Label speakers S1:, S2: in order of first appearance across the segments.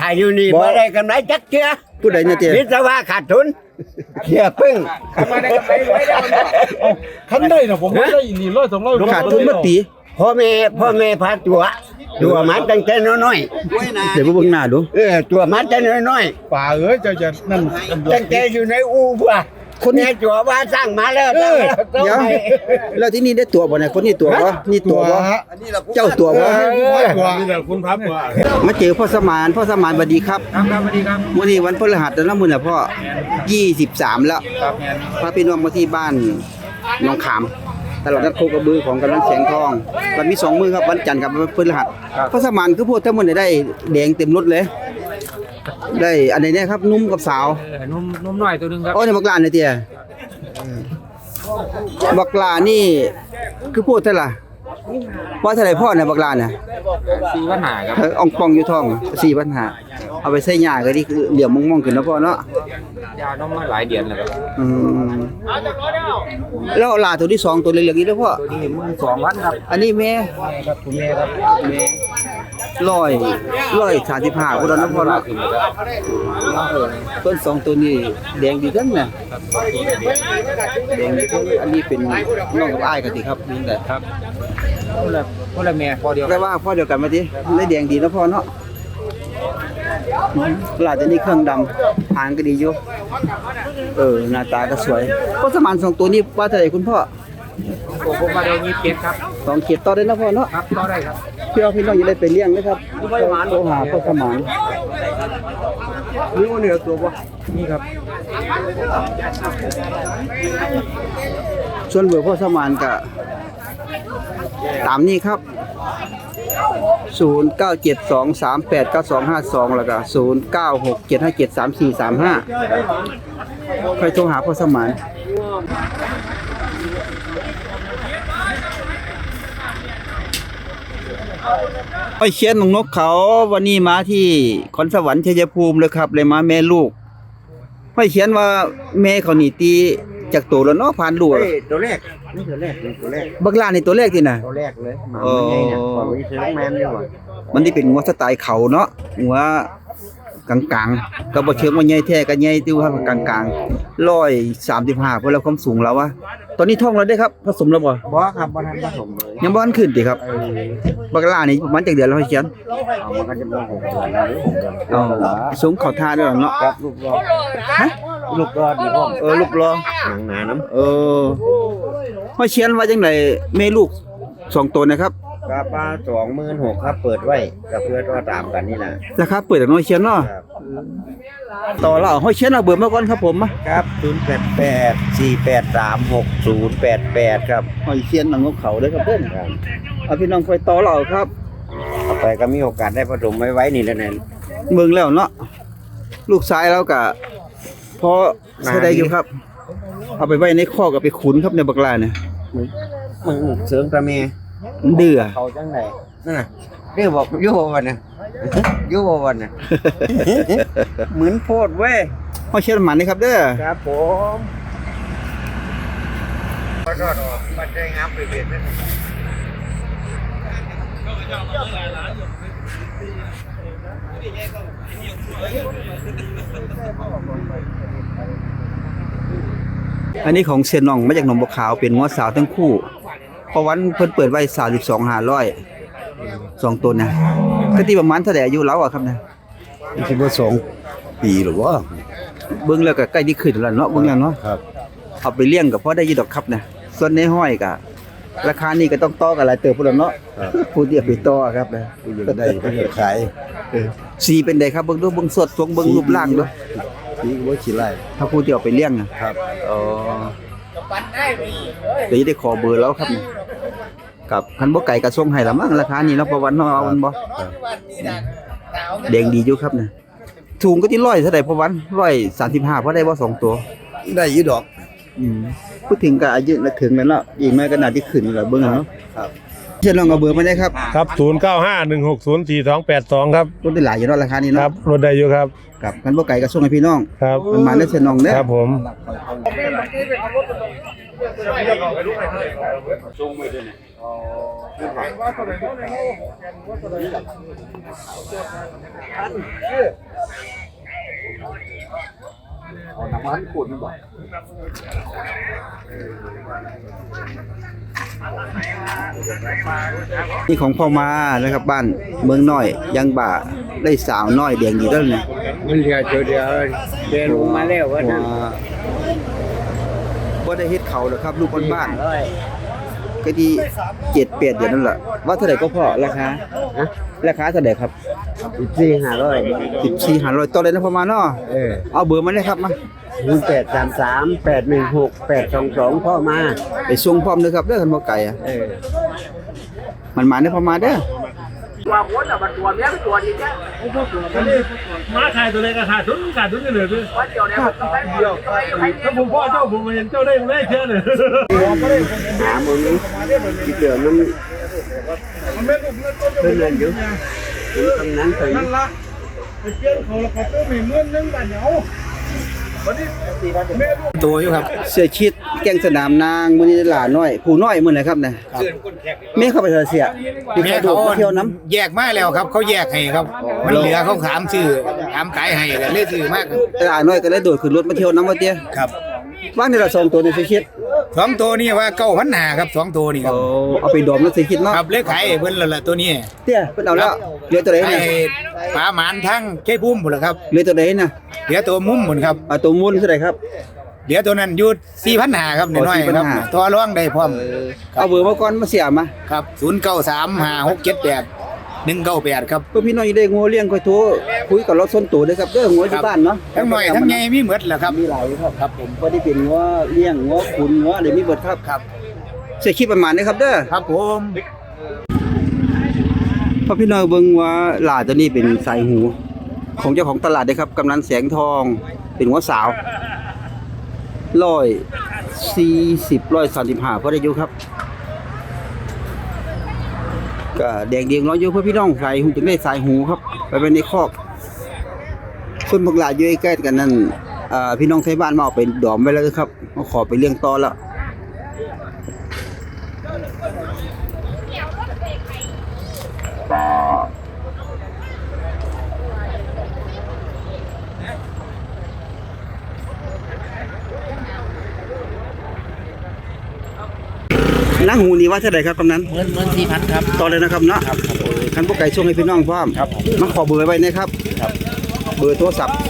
S1: อยู่นี่บ่ได้กำไรจักเทื่อ
S2: ผู้ใดเนี่ยเตี้ย
S1: วิศวะขาดทุนเสียพึ่ง
S3: คันได้นะผมไม่ได้อี100 200
S2: ขาดทุนเมื่อปี
S1: พ่อแม่พาตัวมาตั้งแต่น้อย
S2: เดี๋ยวมาเบิ่งหน้าดู
S1: ตัวมาแต่น้อย
S3: ป่าเอ้ยเจ้าจะนั่น
S1: ตั้งแต่อยู่ในอู่ป่ะคนนี้จัวว่าสร้างมาแล้ว
S2: เดี๋ยวแล้วที่นี่ได้ตัวบ่เนี่ยคนนี้ตัวบ่นี่ตัวบ่เจ้าตัวบ่
S3: นี่แหละคุณพับว่า
S2: มาเจอพ่อสมานสวัสดีครับ
S3: ครับสวัสดีครับ
S2: วันนี้วันพฤหัสแล้วมื้อน่ะพ่อ23แล้ว
S3: ครับ
S2: พาพี่น้องมาที่บ้านหนองขามตลาดนัดโคกระบือของกำนันแสงทองวันมี2มื้อครับวันจันทร์กับวันพฤหัสพ่อสมานคือพูดทั้งหมดได้แดงเต็มรถเลย ได้อันไหนเนี่ยครับนุ่มกับสาว
S3: นุ่มหน่อยตัวนึงครับ
S2: โอ้ยบักลาเนี่ยเตี้ยบักลานี่คือพูดเท่าไหร่ว่าเท่าไหร่พ่อเนี่ยบักลาเนี่ย
S3: 4 ปัญหาครับ
S2: อ่องปองอยู่ท้อง4,500เอาไปใส่หญ้าก็ดีคือเหลี่ยมมองๆขึ้นเนาะพ่อเนาะ
S3: ยานมมาหลายเดือนแล้วครับ
S2: อืมแล้วลาตัวที่2ตัวเล็กๆนี่เด้อพ่อ
S3: ตัวนี้12,000ครับ
S2: อันนี้แม่
S3: ครับคุณแม่ครับ
S2: 135พุ่นเนาะพ่อเนาะต้น2ตัวนี้แดงดีจังน่ะแดงดีจังอันนี้เป็นน้องกับอ้ายกันติครับนี่แหละ
S3: ครับคนละแม่พอเดียว
S2: แปลว่าพ่อเดียวกันมาติได้แดงดีเนาะพ่อเนาะลาตัวนี้เครื่องดำหางก็ดีอยู่หน้าตาก็สวยพ่อสมาน2ตัวนี้ว่าเท่าไหร่คุณพ่อ
S3: ผมมาได้27ครับ
S2: 2เขียดต่อได้เนาะพ่อเนาะ
S3: ครับต่อได้ครับ
S2: พี่น้องอย่าได้ไปเลี้ยงนะครับโทรหาพ่อสมานนี่ว่าเหนือตัวบ่
S3: นี่ครับ
S2: ส่วนเบอร์พ่อสมานก็ตามนี้ครับ 0972389252 แล้วก็ 0967573435 ใครโทรหาพ่อสมานไอ้เชียนของนกเขาวันนี้มาที่ขอนสวรรค์ชัยภูมิเลยครับเลยมาแม่ลูกไอ้เชียนว่าแม่เขานี่ตีจากตัวแล้วเนาะผ่านลูก
S1: ตัวแรกนี่ตัวแรก
S2: บักลานี่ตัวแรกที่น่ะ
S1: ตัวแรกเลย
S2: เออ
S1: ความวิเศษแมนนี่หว่า
S2: มันที่เป็นงัวสไตล์เขาเนาะงัวกลางๆก็บ่เชิงว่าใหญ่แท้ก็ใหญ่ติวครับกลางๆ135เพิ่นแล้วความสูงแล้ววะตอนนี้ท้องแล้วได้ครับผสมแล้วบ่
S1: บ่ครับบ่ทันผสมเลย
S2: ยังบ่ทันขึ้นติครับบักลานี่ประมาณจักเดือนแล้วให้เขียน
S1: มันก็จะบ่6 เดือนแล้ว
S2: อ๋อสูงเข้าท่าด้วยเนาะ
S1: ครับลูกรอ
S2: ฮะ
S1: ลูกรอดีพ่อม
S2: ลูกรอ
S1: หนังหนาน้ำ
S2: ให้เขียนว่าจังไดแม่ลูก2ตัวนะครับ
S1: กระป้า26,000ครับเปิดไว้กับเพื่อนว่าตามกันนี่แหละ
S2: ราคาเปิดจากน้อยเขียนเนาะ
S1: ครับ
S2: ต่อแล้วให้เขียนเอาเบอร์มาก่อนครับผมมา
S1: ครับ088-483-6088ครับ
S2: ให้เขียนหนังของเขาเด้อครับเพิ่นเอาพี่น้องคอยต่อเราครับ
S1: ต่อไปก็มีโอกาสได้ผสมไว้นี่แหละเนี่ย
S2: เมืองแล้วเนาะลูกชายแล้วก็พอใช้ได้อยู่ครับ เอาไปไว้ในคอกกับไปขุนครับในบักลาเนี่ย
S1: มึงเสริมตะเม
S2: มันเดือ
S1: เขาจังไดนั่นน่ะเรียกบอกอยู่บ่วันน่ะอยู่บ่วันน่ะเหมือนโพดเว้ย
S2: ห้อยเชียนหมันนี่ครับเด้อ
S1: ครับผมก็รอดออกมันได้งับไปเบ็ดนั่น
S2: อันนี้ของเซียนน้องมาจากหนองบัวขาวเป็นงัวสาวทั้งคู่เพราะวันเพิ่นเปิดไว้32,500 2ตัวนะก็ที่ประมาณเท่าใดอายุเราอะครับนะ
S1: คิดว่า2 ปีหรือว่า
S2: เบิ่งแล้วก็ใกล้ที่ขึ้นแล้วเนาะเบิ่งแล้วเนาะ
S1: ครับ
S2: เอาไปเลี้ยงก็พอได้อยู่ดอกครับนะส่วนในห้อยก็ราคานี้ก็ต้องต่อกันหลายเติบพุ่นแล้วเนาะผู้ที่เอาไปต่อครับนะ
S1: ก็ได้เพื่อขาย
S2: สีเป็นไดครับเบิ่งดูเบิ่งสดทรงเบิ่งรูปร่างดู
S1: นี่ว่าขี้ไล่
S2: ถ้าผู้ที่เอาไปเลี้ยงนะครับ อ๋อเดี๋ยวจะได้ขอเบอร์แล้วครับนี่กับคันบ่ไก่ก็ส่งให้ละมั้งราคานี้เนาะประวันเนาะเอามันบ่แดงดีอยู่ครับนะถุงก็ที่100เท่าใดประวัน135พอได้บ่2ตัว
S1: ได้อยู่ดอก
S2: พูดถึงก็อายุละถึงแล้วเนาะอีกน้อยก็น่าสิขึ้นแล้วเบิ่งเอาเนาะ
S1: ครับ
S2: เชิญลองเอาเบอร์มาได้ครับ
S3: ครับ0951604282ครับ
S2: รถได้หลายอยู่เนาะราคานี้
S3: ครั
S2: เนาะ
S3: บรถได้อยู่ครับ
S2: กับคันบ่ไก่ก็ส่งให้พี่น้อง
S3: ครับ
S2: มันมาได้เชิญน้องเด้อ
S3: ครับผม
S2: อ
S1: เอาน้ำมันขุ่นบ่
S2: นี่ของพ่อมานะครับบ้านเมืองน้อยยังบ่าได้สาวน้อยแดงดีแล้วเนี่ย
S1: มันเหลือตัวเดียวเดินลงมาแล้วว่านั้น
S2: บ่ได้เฮ็ดเขาหรอกครับลูกบ้านๆก็ดี7-8เดือนนั่นแหละว่าเท่าไหร่ก็พอราคาราคาเท่าไหร่ครับ 14,500ต่อเลยนะพ่อมาเนาะเอาเบอร์มาเลยครับมา
S1: 0833816822พ่อมา
S2: ไปส่งพร้อมเด้อครับเด้อคันบ่ไกลอ่ะมันมาเด้อพ่อมาเด้อ
S4: มาขายตัวเล็กก็ขาดทุนกันเลยด้วยถ้าผมพ่อเจ้าผมเห็นเจ้าได้ผมได้เชื่อเลย
S1: หามื้อนี้ที่เหลือมันเพิ่นนั่นอยู่ตรงนั้นไป
S4: นั่นละไปเกี่ยวเขาแล้วเขาเติมอีกเงินนึงบาทเหนียววันนี้แม่ลูก
S3: ตัวอยู่ครับ
S2: เสื้อชิดแกงสนามนางมื้อนี้หลาน้อยผู้น้อยมื้อไหนครับน่ะแม่เข้าไปเถอะเสียมีใครดูมาเที่ยวน้ำ
S3: แยกมาแล้วครับเขาแยกให้ครับมันเหลือเขาถามซื้อถามขายให้ก็เลยซื้อมาก
S2: หลาน้อยก็เลยโดดขึ้นรถมาเที่ยวน้ำว่าเตี้ย
S3: ครับ
S2: ว่างในละ2ตัวในเสื้อชิด
S3: สองตัวนี่ว่า9,500ครับ2ตัวนี่ครับ
S2: เอาไปดอมแล้วเสื้อชิดเนาะ
S3: ครับเลยขายให้เพิ่นแล้วล่ะตัวนี้
S2: เตี้ยเพิ่นเอาแล้วเหลือตัวไหน
S3: ให้
S2: น่ะ
S3: ปลาหมานทั้งเก้พุ่มพุ่นล่ะครับ
S2: เหลือตัวไหนน่ะ
S3: เหลือตัวมุมพุ่นครับ
S2: เอาตัวมูลเท่าไหร่ครับ
S3: เหลือตัวนั้นอยู่4,500ครับน้อยๆครับ
S2: 4,500
S3: ตัวร่องได้พร้อม
S2: เอาเบอร์มาก่อนมาเสียมา
S3: ครับ0935678198ครับ
S2: เพื่อพี่น้องอยู่ได้งัวเลี้ยงค่อยโทรคุยกับเราส้นตัวเด้อครับเด้องัวที่บ้านเนาะ
S3: ทั้งน้อยทั้งใหญ่มีหมดแหละครับ
S2: มีหลายครับ
S3: ครับผม
S2: บ่ได้เป็นงัวเลี้ยงงัวขุนงัวอะไรมีเบิดครับ
S3: ครับ
S2: เสียคลิปประมาณนี้ครับเด้อ
S3: ครับผม
S2: พอพี่น้องเบิ่งว่าหลาตัวนี้เป็นสายหู ของเจ้าของตลาดเด้อครับกำนันแสงทองเป็นงัวสาว135พอได้อยู่ครับก็แดงเดียงร้อยอยู่เพื่อพี่น้องสายหูจึงได้สายหูครับไปไว้ในคอกส่วนพวกหลาอยู่ใกล้ๆกันนั่นพี่น้องไทยบ้านมาเอาไปดอมไว้แล้วครับมาขอไปเลี้ยงต่อแล้วนั่งหูนี่ว่าเท่าไหร่ครับกำนัน
S3: 14,000ครับ
S2: ต่อเลยนะครับเนาะคันพวกไก่ช่วงให้พี่น้องพร้อมมาขอเบอร์ไว้นะครับ เบอร์โทรศัพท์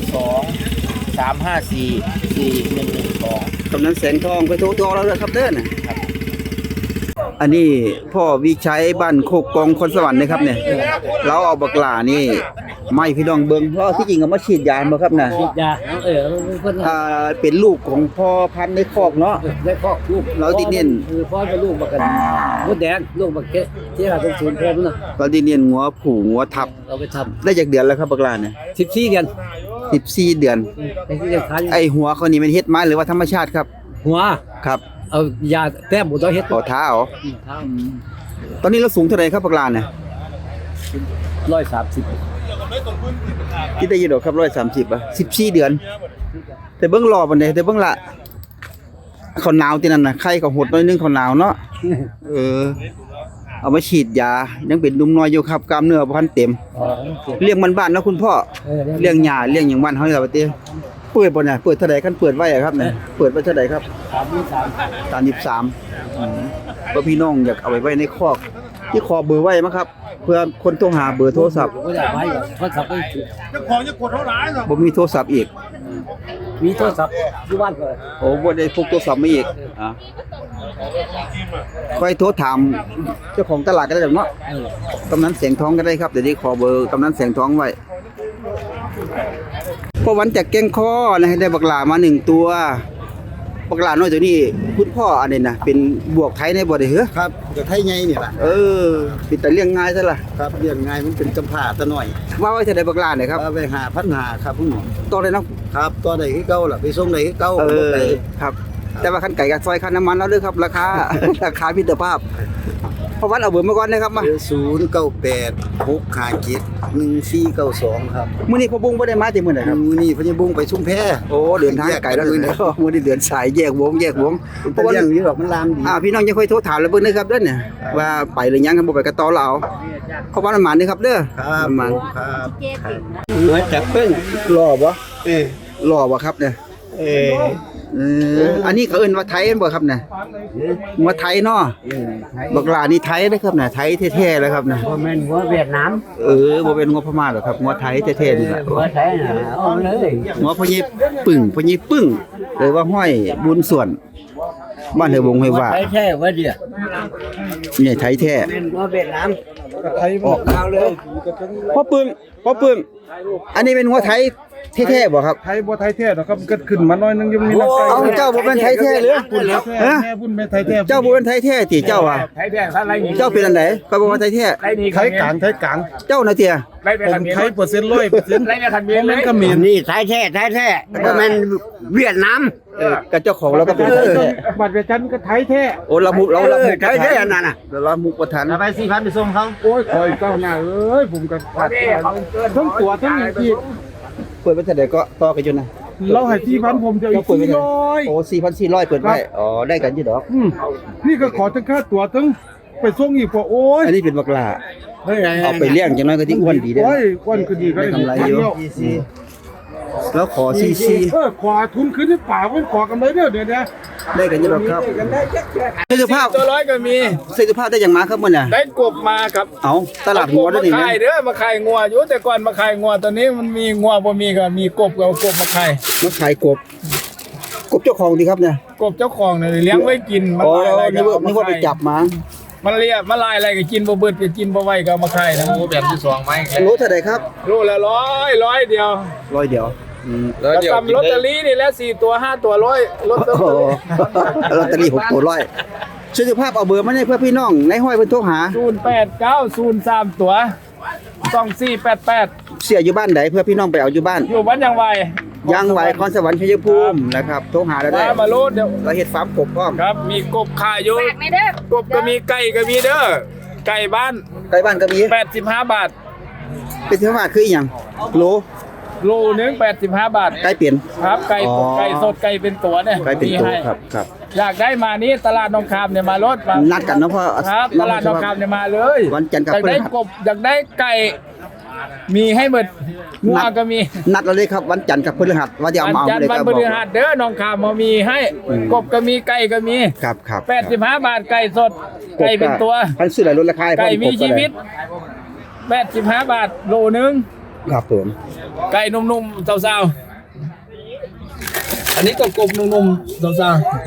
S3: 92 354 4112
S2: กำนันแสงทองไปโทรตัวเราเลยครับเด้อน่ะอันนี้พ่อวิชัยบ้านโคกกองคนสวรรค์นะครับเนี่ยเราเอาบักหลานี่ไม่พี่น้องเบิ่งเพราะที่จริงเอามาฉีดยาบ่ครับน่ะ
S4: ยาเพิ่น
S2: เป็นลูกของพ่อพันธุ์ในคอกเนาะ
S4: ได้ครอบลูก
S2: เราติดเน้น
S4: คือพ่อเป็นลูกบักกันมดแดงลูกบักเกะที่หาเป็นศูนย์พ่อมันน่ะ
S2: เราติดเน้นงัวผูงัวทับ
S4: เราไปท
S2: ได้จากเดือนแล้วครับบักหลาเนี่ย
S4: ำ14เดือน
S2: 14เดือน
S4: ไอ้ที่เดือนขาย
S2: ไอหัวเขานี่มันเฮ็ดมาหรือว่าธรรมชาติครับ
S4: หัว
S2: ครับ
S4: เอายาแต้มบ่ต้องเฮ็ด
S2: ต่อเท้า
S4: เท้า
S2: ตอนนี้เราสูงเท่าไหร่ครับบักหลาเนี่ย
S4: 130
S2: ที่ได้ยินดอกครับ130อ่ะ14เดือน แต่เบิ่งรอบันไดแต่เบิ่งละเขาหนาวที่นั่นน่ะไข้ก็หดหน่อยนึงเขาหนาวเนาะเอามาฉีดยายังเป็นหนุ่มน้อยอยู่ครับกล้ามเนื้อบ่ทันเต็ม
S4: อ๋อ
S2: เลี้ยงบ้านๆเนาะคุณพ่อเลี้ยงหญ้าเลี้ยงหยังบ้านเฮานี่ล่ะว่าติเปิดบ่เนี่ยเปิดเท่าใดคันเปิดไว้อะครับเนี่ยเปิดไว้เท่าใดครับ33ก็พี่น้องอยากเอาไว้ในคอกที่ขอเบอร์ไว้มั้งครับ เพื่อคนโทรหาเบอร์โทรศัพท์
S4: บ่ได้ไว้โทรศัพท์ไป
S2: บ่มีโทรศัพท์อีก
S4: มีโทรศัพท์อยู่บ้านก็
S2: โอ้บ่ได้พกโทรศัพท์มาอีกค่อยโทรถามเจ้าของตลาดก็ได้ดอกเนาะกำนันแสงทองก็ได้ครับเดี๋ยวนี้ขอเบอร์กำนันแสงทองไว้พอวันจากแก้งคอนะให้ได้บักหลามา1ตัวบักหลาน้อยตัวนี้คุณพ่ออันนี้นะเป็นบวกไทยในบ่ได้เหรอ
S1: ครับจะไทยไงนี่ล่ะ
S2: เป็นแต่เลี้ยงง่ายซะล่ะ
S1: ครับเรียงง่ายมันเป็นจำพาตะหน่อย
S2: ว่าไว้จะได้บักหลาเนี่ยครับ
S1: เอาไป5,500ครับคุณหมอ
S2: ต่อเลยเนาะ
S1: ครับตัวใดคือเก่าล่ะไปส่งใดคือเก่า
S2: ครับ แต่ว่าคันไก่กับซอยคันน้ำมันแล้วเด้อครับ ราคา ราคามิตรภาพพอวัดเอาเบอร์มาก่อนนะครับมา
S1: 098-657-1492ครับ
S2: มื้อนี้พ่อบุ้งบ่ได้มาแต่มื้อใดครับ
S1: มื้อนี้พญบุ้งไปชุมแพ
S2: โอ้เดินทางไกลแล้วเลยนะมื้อนี้เดินสายแยกวงเพ
S1: เพราะ
S2: ราะ
S1: ว่า
S2: ว่า
S1: เรื่องนี้ดอกมันลามดี
S2: พี่น้องยังค่อยโทรถามแล้วเบิ่งนะครับเด้อเนี่ยว่าไปหรือยังครับบ่ไปก็ต่อเราเพราะว่ามันหมานนี่ครับเด้อ
S1: ครับ
S2: มัน
S1: ครับเหนือจากเพิ่ง
S2: รอบ่
S1: เออ
S2: รอบ่ครับเนี่ย
S1: เออ
S2: อันนี้เขาเอิ้นว่าไทยบ่ครับเนี่ยว่าไทยเนาะบักหลานี่ไทยเด้อครับเนี่ยไทยแท้ๆเลยครับเนี่ย
S1: บ่แม่นหัวเวียดนาม
S2: บ่เป็นงบพม่าหรอกครับงบไทยแท้ๆนี่แหละ
S1: หัวไทยน่ะเอาเลย
S2: งบพญิปึ้งหรือว่าห้อยบุญส่วน บ้านเฮวงเฮว่า
S1: ไทยแท้ว่าเดียว
S2: เนี่ยไทยแท้
S1: เป็นหัวเวียดนาม
S2: ออกข่าวเลยพ่อปึ้งอันนี้เป็นหัวไทยแท้ๆบ่ครับ
S4: ไทยบ่ไทยแท้หรอกครับเกิดขึ้นมาหน่อยนึงยังมีนักไก่
S2: เอาเจ้าบ่เป็นไทยแท้หรือ
S4: ฮะแม่บุญแม่ไทยแท้
S2: เจ้าบ่เป็นไทยแท้ติเจ้าอ่ะ
S3: ไทยแท้อะไรนี่
S2: เจ้าเป็นอันไหนก็บ่ว่าไทยแท้
S3: ไทยนี่
S4: ไทยกลางไทยกลาง
S2: เจ้าน่ะเตีย
S3: ไล่ไป
S4: ผ
S3: คั
S4: ม
S3: นนี้
S4: ไทย100%
S3: ไล่ไปคันนี้
S4: บ่
S3: เล
S4: แม่
S3: ย
S4: นเขมร
S1: นี่ไทยแท้บ่แม่นเวียดนาม
S2: กับเจ้าของเราก็เป็นไทยแท้
S4: บัตรประชาชนก็ไทยแท้
S2: โอ้เรามุกเรา
S1: ไทยแท้อันนั้นน่ะ
S2: เรามุกประธาน
S1: ไป 4,000 ไปส่งเขา
S4: โอ้ยคอยเจ้าหน้าเอ้ยผมก็ขาดทั้งตัวทั้งอีก
S2: เปิดไว้เท่าใดก็ต่อกันอยู่นะ
S4: เราให้4,000ผมจะอีก
S2: เปิดไว้เท่าไหร่
S4: 400
S2: โอ้ 4,400 เปิดไว้อ๋อได้กันอยู่ดอก
S4: นี่ก็ขอทั้งค่าตั๋วทั้งไปส่งอีกพอโอ้ย
S2: อันนี้เป็นบักหลาเอาไปเลี้ยงจังน้อยก็ที่อ้วนดีเด้อ
S4: โอ้ยก้อนคือดีก็
S2: ได้กำไรอยู่ แล้วขอซี
S4: ขอทุนขึ้นในป่ามันขอกำไรเด้อเดี๋ยวนะ
S2: ได้กันอยู่ดอกครับเสื้อผ้า
S3: ตัวร้อยก็มี
S2: เสื้อผ้าได้อย่างมาครับมื้อน่ะ
S3: ได้กบมาครับ
S2: เอาตลาดงัวด้วยนี่
S3: มา
S2: นะ
S3: ขายเด้อมาขายงัวอยู่แต่ก่อนมาขายงัวตอนนี้มันมีงัวบ่มีก็มีกบก็เอากบมาขาย
S2: มาขายกบเจ้าของดีครับเนี่ย
S3: กบเจ้าของเนี่ยเลี้ยงไว้กินมัน
S2: อ๋อ
S3: ลายอะไรก็
S2: นี่ว่าไปจับมา
S3: มันเลี้ยมันลายอะไรก็กินบ่เบิดก็กินบ่ไหวก็เอามาขายนะแบบที่2มั้ย
S2: รู้เท่าใดครับ
S3: โลละร้อยเดียว
S2: ร้อยเดียว
S3: แล้วทำลอตเตอรี่นี่แหละ4ตัว5ตัว100ลอตเตอ
S2: โอ้
S3: รี่
S2: ลอตเตอรี่6ตัวร้อยเสื้อผ้าเอาเบอร์มาให้เพื่อพี่น้องในห้อยเพิ่นโทรหา
S3: 0890 ตัว2488
S2: เสียอยู่บ้านใดเพื่อพี่น้องไปเอาอยู่บ้าน
S3: อยู่บ้านยังไว
S2: ยังไหวคอนสวรรค์ชัยภูมินะครับโทรหาเราได้
S3: มาโลดเดี๋ยว
S2: เราเฮ็ดฟาร์มกบพร้อม
S3: ครับมีกบขายอยู่กบก็มีไก่ก็มีเด้อไก่บ้าน
S2: ใกล้บ้านก็มี
S3: 85 บาท
S2: เป็นเท่าว่าคืออีหยังโล
S3: โลนึง85 บาท
S2: ใกล้เปลี่ยน
S3: ครับไก่
S2: อ๋อ
S3: ไก่สดไก่เป็นตัวเนี่ย
S2: ใกล้เป็น
S3: มี
S2: ตัว
S3: ให้
S2: ครับ
S3: อยากได้มานี่ตลาดหนองคามเนี่ยมาลดมา
S2: นัดกันเนาะพ่อ
S3: ครับตลาดหนองคามเนี่ยมาเลย
S2: วันจันทร์กับ
S3: อยากได้
S2: พฤหัส
S3: กบอยากได้ไก่มีให้หมดงัวก็มี
S2: นัดเราเลยครับวันจันทร์กับพฤหัสว่าจะเอา
S3: วัน
S2: มาเอา
S3: จันท
S2: เลย
S3: ร์วัน
S2: ครับ
S3: พฤหัสเด้อหนองคามมามีให้กบก็มีไก่ก็มี
S2: ครับ
S3: 85 บาทไก่สดไก่เป็นตัว
S2: พันซื้อหลายลดราคาให้พ่อ
S3: ไก่มี
S2: กบ
S3: ชีวิต85 บาทโลนึง
S2: ครับผม
S3: ไก่นุ่มๆสาวๆอันนี้กบๆนุ่มๆสาวๆ